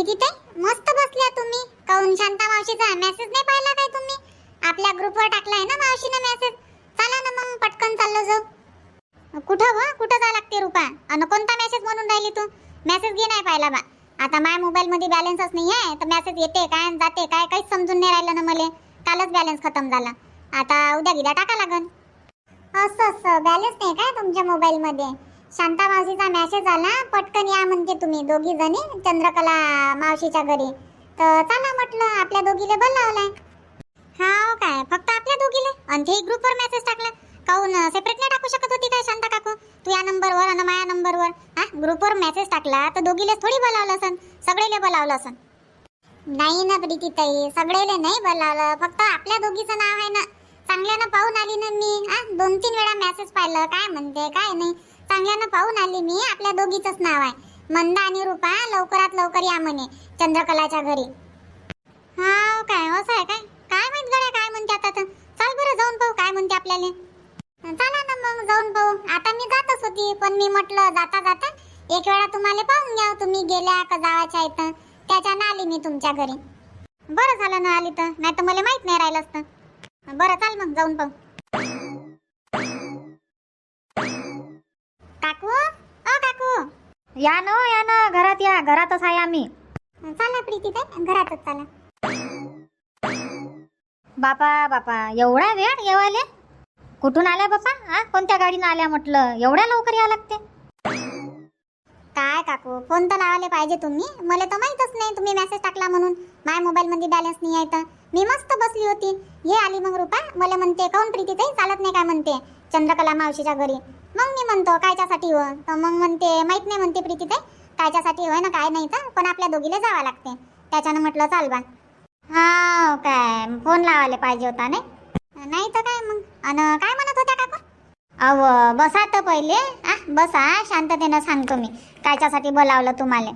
प्रीतीताई मस्त बसल्या तुम्ही. काऊन शांता मावशीचा मेसेज नाही पाहिला काय तुम्ही? आपल्या ग्रुपवर टाकलाय ना मावशीने मेसेज. चला ना मग पटकन चाललो जाऊ. कुठं जा लागते रुपा? अन कोणता मेसेज म्हणून राहिली तू? मेसेज घे नाही पाहिला बा. आता माझ्या मोबाईल मध्ये बॅलन्सच नाही आहे तर मेसेज येते काय आणि जाते काय काहीच समजून नाही राहिलं ना मला. कालच बॅलन्स खतम झाला. आता उद्या गिद्या टाका लागन. असं बॅलन्स नाही काय तुमच्या मोबाईल मध्ये? शांता मावशीचा मेसेज आला, पटकन या म्हणते तुम्ही दोघी जणी चंद्रकला मावशीच्या घरी. तर चला म्हटलं, आपल्या दोघीले बोलावलाय. हा काय फक्त आपल्या दोघीले? आणि ते ग्रुपवर मेसेज टाकला. काऊन सेपरेट नाही टाकू शकत होती काय शांता काकू? तू या नंबरवर आणि माझ्या नंबरवर ग्रुपवर मेसेज टाकला तर दोघीलेच थोडी बोलावलं असन, सगळेले बोलावलं असन. नाही ना प्रीतीताई, सगळेले नाही बोलावलं, फक्त आपल्या दोघीचं नाव आहे ना. चांगल्यानं पाहून आली ना मी. 2-3 वेळा मेसेज पाहिलं काय म्हणते काय नाही. चांगल्यानं पाहून आली मी. आपल्या दोघीचंच नाव आहे. मंदा आणि रूपा लवकरात लवकर या म्हणे चंद्रकलाच्या घरी. हा काय असं आहे काय? काय माहित गड्या काय म्हणते आता. तर चल बरं जाऊन पाहू काय म्हणते आपल्याला. चला ना मग जाऊन पाहू. आता मी जातच होती पण मी म्हटलं जाता जाता एक वेळा तुम्हाला पाहून घ्या, तुम्ही गेल्या का जावाच्या इथं. त्याच्यानं आली मी तुमच्या घरी. बरं झालं ना आली तर, नाही तर मला माहित नाही राहिलं असतं. बरं चाल मग जाऊन पाहू. काकू ओ काकू, या ना घरात या. घरातच आहे आम्ही. चला प्रीतीताई घरातच चला. बापा एवढा वेळ येवाले? कुठून आल्या बापा? कोणत्या गाडीनं आल्या म्हटलं? एवढ्या लवकर या लागते? काय काकू, फोन तर लावायला पाहिजे तुम्ही. मला तर माहीतच नाही तुम्ही मेसेज टाकला म्हणून. माझ्या मोबाईल मध्ये बॅलन्स नाही आहे तर मी मस्त बसली होती. हे आली मग रूपा मला म्हणते काऊन प्रीतीताई चालत नाही काय म्हणते चंद्रकला मावशीच्या घरी. मग मी म्हणतो कायच्यासाठी हो? तर मग म्हणते माहित नाही म्हणते प्रीतीताई कायच्यासाठी होय ना काय नाही तर, पण आपल्या दोघीला जावं लागते. त्याच्यानं म्हटलं चाल बा. हा काय फोन लावायला पाहिजे होता नाही तर काय मग. अन काय म्हणत होत्या काकू? अव बसा तर पहिले. बसा, शांततेनं सांगतो मी कायच्यासाठी बोलावलं तुम्हाला.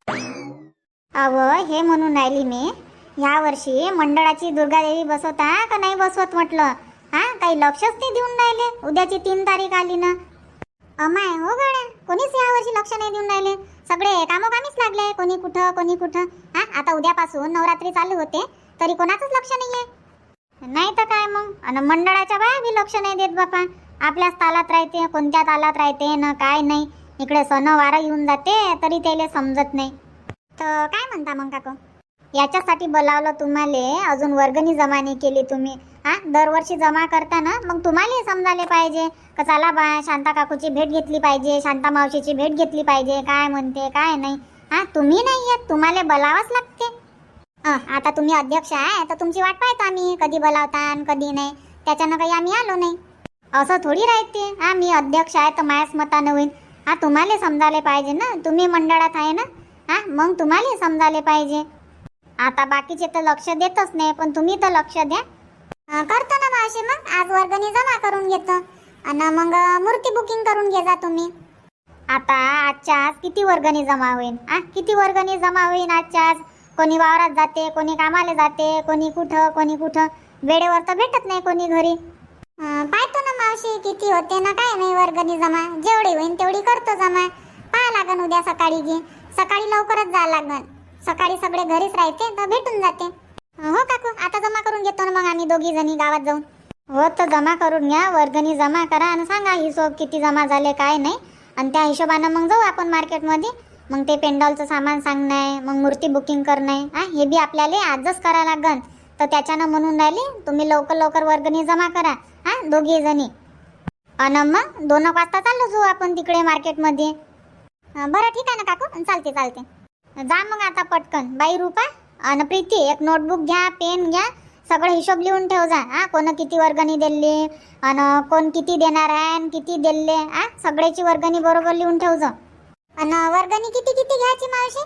अव हे म्हणून राहिली मी, ह्या वर्षी मंडळाची दुर्गादेवी बसवता का नाही बसवत म्हटलं. काही लक्षच नाही देऊन राहिले. उद्याची 3 तारीख आली ना. अमाय हो गड्या, कोणीच या वर्षी लक्ष नाही देऊन राहिले. सगळे कामोकामीच लागले, कोणी कुठं. आता उद्यापासून नवरात्री चालू होते तरी कोणाचंच लक्ष नाहीये. नाही तर काय मग. आणि मंडळाच्या बाया बी लक्ष नाही देत बापा. आपल्याच तालात राहते, कोणत्या तालात राहते ना काय नाही. इकडे सण वारा येऊन जाते तरी त्याला समजत नाही. तर काय म्हणता मग काकू? याच्यासाठी बोलावलं तुम्हाला. अजून वर्गणी जमा नाही केली तुम्ही. दरवर्षी जमा करता ना, मग तुम्हाला समजायला पाहिजे का चला बा शांता काकूची भेट घेतली पाहिजे, शांता मावशीची भेट घेतली पाहिजे, काय म्हणते काय नाही. तुम्ही नाही येत, तुम्हाला बोलावंच लागते. आता तुम्ही अध्यक्ष आहे तर तुमची वाट पाहतो आम्ही, कधी बोलावता आणि कधी नाही. त्याच्यानं काही आम्ही आलो नाही असं थोडी राहते. मी अध्यक्ष आहे तर माझ्याच मतानं होईल. तुम्हाला समजायला पाहिजे ना, तुम्ही मंडळात आहे ना. मग तुम्हाला समजायला पाहिजे. आता बाकीचे तर लक्ष देतच नाही, पण तुम्ही तर लक्ष द्या. करतो ना मावशी. मग आज वर्गणी जमा करून घेतो आणि मग मूर्ती बुकिंग करून घे जा तुम्ही. आता आजच्या आज किती वर्गणी जमा होईल? किती वर्गणी जमा होईल आजच्या आज? कोणी वावरात जाते, कोणी कामाला जाते, कोणी कुठं. वेळेवर तर भेटत नाही कोणी घरी. पाहतो ना मावशी किती होते ना काय नाही वर्गणी जमा. जेवढी होईल तेवढी करतो जमा. पाहा लागन उद्या सकाळी घे. सकाळी लवकरच जा लागन. सकाळी सगळे घरीच राहते तर भेटून जाते. हो काकू, आता जमा करून घेतो ना मग आम्ही दोघी जणी गावात जाऊन. हो तर जमा करून घ्या, वर्गणी जमा करा आणि सांगा हिशोब किती जमा झाले काय नाही. आणि त्या हिशोबानं मग जाऊ आपण मार्केटमध्ये. मग ते पेंडॉलचं सामान सांगणं, मग मूर्ती बुकिंग करणं, हे बी आपल्याला आजच करा लागन. तर त्याच्यानं म्हणून राहिली तुम्ही लवकर वर्गणी जमा करा दोघी जणी. आणि मग 2 वाजता चाललो जाऊ आपण तिकडे मार्केटमध्ये. बरं ठीक आहे ना काकू, चालते. जा मग आता पटकन. बाई रूपा आणि प्रीती एक नोटबुक घ्या, पेन घ्या, सगळं हिशोब लिहून ठेव जा. कोण किती वर्गणी दिली आणि कोण किती देणार आहे आणि किती दिले. सगळ्याची वर्गणी बरोबर लिहून ठेव जा. आणि वर्गणी किती घ्यायची मावशी?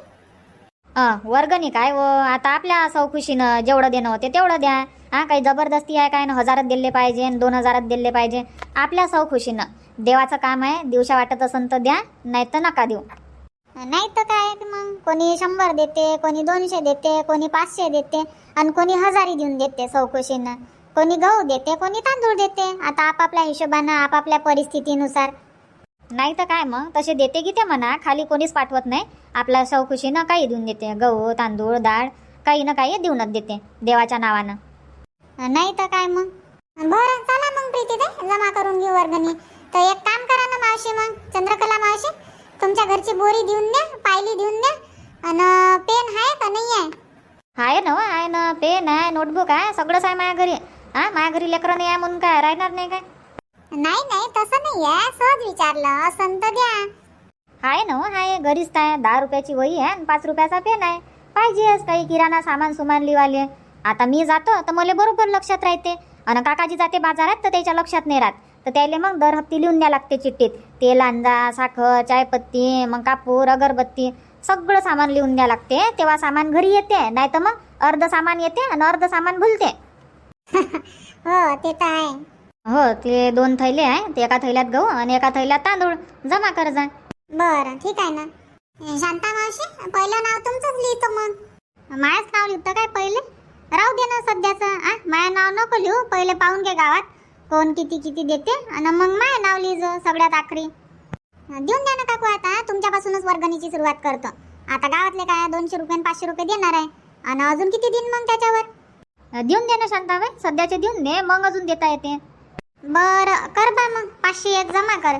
वर्गणी काय व आता आपल्या सौखुशीनं जेवढं देणं होते तेवढं द्या. काही जबरदस्ती आहे काय ना 1000 दिले पाहिजे 2000 दिले पाहिजे. आपल्या सौखुशीनं. देवाचं काम आहे, दिवसा वाटत असेल तर द्या, नाही तर नका देऊ. नाही तर काय मग कोणी 100 देते, कोणी 200 देते, कोणी 500 देते आणि कोणी 1000 देऊन देते सौखुशीनं. कोणी गहू देते, कोणी तांदूळ देते. आता आपापल्या हिशोबानं आपापल्या परिस्थितीनुसार. नाही तर काय मग तसे देते की ते म्हणा, खाली कोणीच पाठवत नाही. आपल्या सौखुशीनं काही देऊन देते, गहू तांदूळ डाळ काही ना काही देऊनच देते देवाच्या नावानं. नाही तर काय मग. बरं चला मग प्रीतीताई, जमा करून घेऊ वर्गणी. तर एक काम करा ना मावशी, मग चंद्रकला मावशी, तुमच्या घरची बोरी देऊन द्या, पायली देऊन द्या. आणि पेन आहे का नाही आहे? आहे ना पेन आहे, नोटबुक आहे, सगळंच आहे माझ्या घरी. माझ्या घरी लेकरं नाही आहे म्हणून काय राहणार नाही काय? नाही नाही तसं नाही आहे, सहज विचारलं, असं तर द्या. आहे घरीच आहे. 10 रुपयाची वही आहे आणि 5 रुपयाचा पेन आहे. पाहिजेच काही किराणा सामान सुमान लिवाले. आता मी जातो तर मला बरोबर लक्षात राहते, आणि काकाजी जाते बाजारात तर त्याच्या लक्षात नाही राहत. तर त्याला मग दर हप्ती लिहून द्या लागते चिठ्ठीत. तेल अंजा, साखर, चायपत्ती, मग कापूर, अगरबत्ती सगळं सामान लिहून द्या लागते. तेव्हा सामान घरी येते, नाही तर मग अर्ध सामान येते आणि अर्ध सामान भुलते. हो ते तर आहे. हो ते 2 थैले आहे, ते एका थैल्यात गहू आणि एका थैल्यात तांदूळ जमा कर जा. बरं ठीक आहे ना. शांता मावशी, पहिलं नाव तुमचंच लिहितो मग. माझंच नाव लिहितं काय पहिले? राहू दे ना सध्याचं. माझं नाव नको लिहू, पहिले पाहून घे गावात कोण किती किती देते, आणि मग माझं नाव लिहिजो सगळ्यात आखरी. देऊन द्या ना काकू, आता तुमच्यापासूनच वर्गणीची सुरुवात करतो. आता गावातले काय 200 रुपये 500 रुपये देणार आहे, आणि अजून किती दिन मग त्याच्यावर? देऊन दे ना शांताबाई, सध्याचे देऊन दे, मग अजून देता येते. बरं कर बा मग, 501 जमा कर.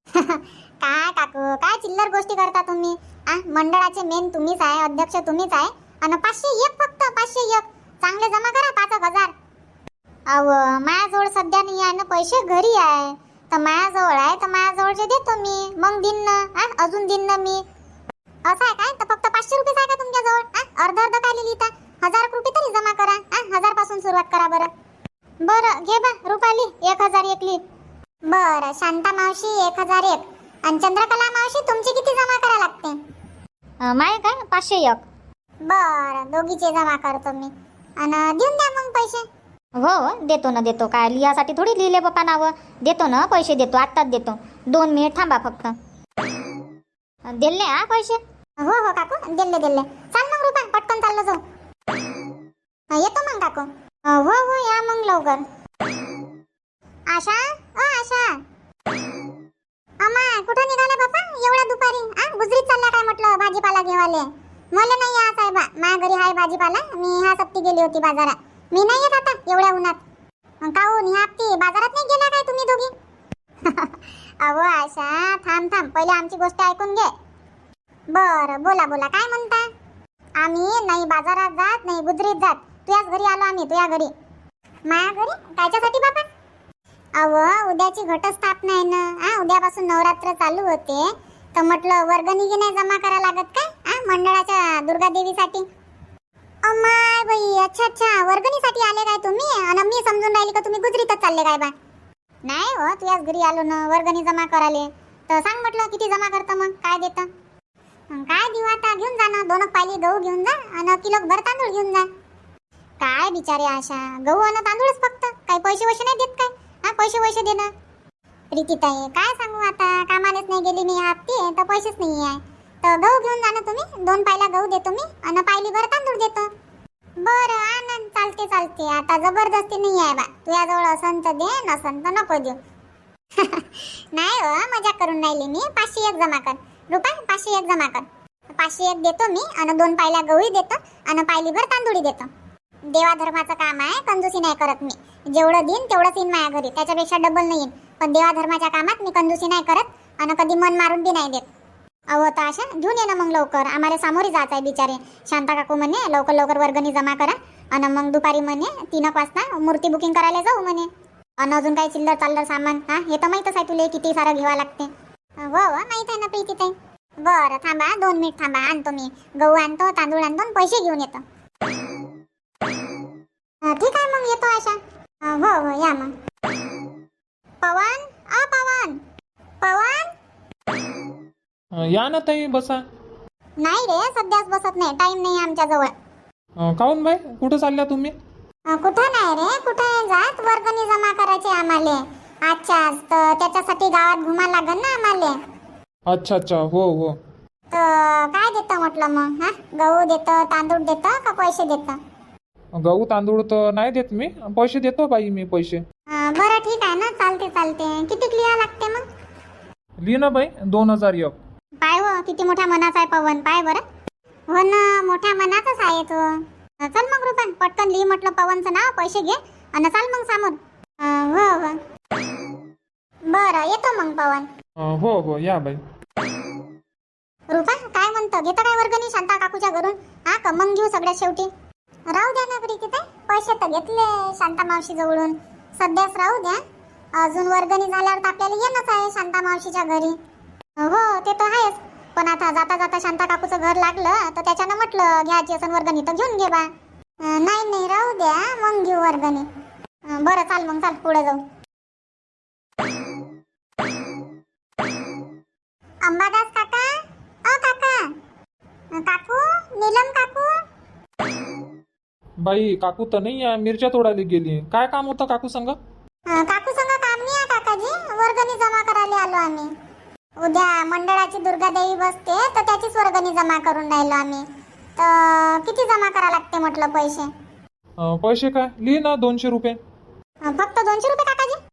काय काकू, काय चिल्लर गोष्टी करता तुम्ही? मंडळाचे मेन तुम्हीच आहे, अध्यक्ष तुम्हीच आहे, आणि 501 फक्त 501 चांगले जमा करा 5,000. अहो माझ्याजवळ सध्या नाही आहे ना पैसे, घरी आहे. तर माझ्याजवळ आहे तर माझ्याजवळचे देतो मी, मग दिन ना. अजून दिन ना मी. असं आहे काय? तर फक्त 500 रुपये आहे का तुमच्याजवळ? अर्ध काय लिहिता? 1000 रुपये तरी जमा करा. 1000 पासून सुरुवात करा बरं. बरं घे बा रुपाली, 1001 लिह. बरं शांता मावशी 1001, आणि चंद्रकला मावशी तुमची किती जमा करा लागते? माय काय 501. बरं दोघीचे जमा करतो मी, आणि देऊन द्या मग पैसे. हो देतो. काय लिहासाठी थोडी लिहिले बाप्पा नावं. देतो ना पैसे, देतो आत्ताच देतो. 2 मिनिट थांबा फक्त. दिले पैसे? हो काकू दिले. चाल मग रुपा, पटकन चाललो जाऊ. येतो मग काकू. हो या मग लवकर. आशा आशा, अम्मा कुठं निघाला बापा एवढ्या दुपारी? गुजरीत चालल्या काय म्हटलं भाजीपाला घेवाले? मला नाही या साहेबा, माझ्या घरी आहे भाजीपाला. मी ह्या सप्ती गेली होती बाजारात. मी नाही येत आता एवढ्या उन्हात. काहून ह्या हप्ती बाजारात नाही गेल्या काय तुम्ही दोघी? अहो आशा थांब पहिले आमची गोष्ट ऐकून घे. बरं बोला काय म्हणता? आम्ही नाही बाजारात जात, नाही गुजरीत जात. तुझ्याच घरी आलो आम्ही, तुझ्या घरी. माझ्या घरी कायच्यासाठी बाबा? अहो उद्याची घटस्थापना आहे ना. उद्यापासून नवरात्र चालू होते, तर म्हटलं वर्गणी की नाही जमा करा लागत काय मंडळाच्या दुर्गा देवीसाठी? अम्माय बाई, अच्छा वर्गणीसाठी आले काय तुम्ही? आणि मी समजून राहिली का तुम्ही गुजरीतच चालले काय बा? नाही हो, तुझ्याच घरी आलो ना वर्गणी जमा कराले. तर सांग म्हटलं किती जमा करतं, मग काय देतं? काय देऊ आता? घेऊन जा ना 2 पायली गहू घेऊन जा, आणि किलो भर तांदूळ घेऊन जा. काय बिचारे आशा, गहू आणि तांदूळच फक्त, काही पैसे नाही देत काय? पैसे दे ना. प्रीतीताई काय सांगू आता, कामानेच नाही गेली मी हप्ते, तर पैसेच नाही आहे. तर गहू घेऊन जा ना तुम्ही, 2 पायला गहू देतो मी, आणि पायली भर तांदूळ देतो. बरं आनंद, चालते. आता जबरदस्ती नाही आहे बा. तुझ्याजवळ असन तर दे, नसन तर नको देऊ. नाही हो, मजा करून राहिली मी. 501 जमा कर रुपा, 501 जमा कर. 501 देतो मी, आणि 2 पायला गहूही देतो, आणि पायली भर तांदूळी देतो. देवा धर्माचं काम आहे, कंजूसी नाही करत मी. जेवढं देईन तेवढंच येईन माझ्या घरी, त्याच्यापेक्षा डबल नाही येईन. पण देवा धर्माच्या कामात मी कंजूसी नाही करत, आणि कधी मन मारून बी नाही देत. अहो तर अशा घेऊन ये ना मग लवकर, आम्हाला सामोरी जायचं आहे बिचारे. शांता काकू म्हणे लवकर वर्गणी जमा करा, आणि मग दुपारी म्हणे 3 वाजता मूर्ती बुकिंग करायला जाऊ म्हणे. आणि अजून काही चिल्लर सामान हे तर माहीतच आहे तुला, किती सारं घ्यावं लागते. हो माहीत आहे ना प्रीतीताई. बरं थांबा 2 मिनिट थांबा, आणतो मी गहू आणतो, तांदूळ आणतो, पैसे घेऊन येतो. ठीक आहे मग येतो आशा. हो या मग. पवन या ना ताई, बसा. नाही रे, सध्याच बसत नाही, टाइम नाही आमच्याजवळ. काहून बाई, कुठं चालल्या तुम्ही? कुठं नाही रे, कुठं जात, वर्गणी जमा करायची आम्हाला आजच्या. तर त्याच्यासाठी गावात घुमा लागल ना आम्हाला. अच्छा हो. तर काय देतं म्हटलं मग? गहू देतं, तांदूळ देतं का पैसे देतं? गहू तांदूळ तर नाही देत मी, पैसे देतो बाई मी पैसे. बरं ठीक आहे ना, चालते. किती लिहा लागते मग? लिही ना बाई 2001. पाय हो किती मोठ्या मनाचा आहे पवन, पाय बरं. हो ना, मोठ्या मनाचाच आहे तो. चल मग रुपा, पटकन लिही म्हटलं पवनचं नाव, पैसे घे आणि चाल मग समोर. हो हो बरं, येतो मग पवन. हो हो या बाई. रुपा काय म्हणतं, घेतं काय वर्गणी शांता काकूच्या घरून? हा का मग घेऊ सगळ्यात शेवटी? राहू द्या ना प्रीतीताई, पैसे तर घेतले शांता मावशी जवळून, सध्याच राहू द्या. अजून वर्गणी झाल्यावर तर आपल्याला येणंच आहे शांता मावशीच्या घरी. हो ते तर आहेच, पण आता जाता जाता शांता काकूचं घर लागलं तर त्याच्यानं म्हटलं घ्यायची असं वर्गणी तर घेऊन घे बा. नाही नाही राहू द्या, मग घेऊ वर्गणी. बरं चाल मग, चाल पुढे जाऊ. अंबादास काका, अ काका, काकू, नीलम काकू. बाई काकू तर नाही आहे, मिरच्या तोडायला गेली. काय काम होतं काकू संग? काकू संग काम नाही आहे काकाजी, वर्गणी जमा करायला आलो आम्ही. उद्या मंडळाची दुर्गादेवी बसते तर त्याचीच वर्गणी जमा करून राहिलो आम्ही. तर किती जमा करा लागते म्हटलं पैसे? पैसे काय लिही ना 200 रुपये. फक्त 200 रुपये काकाजी?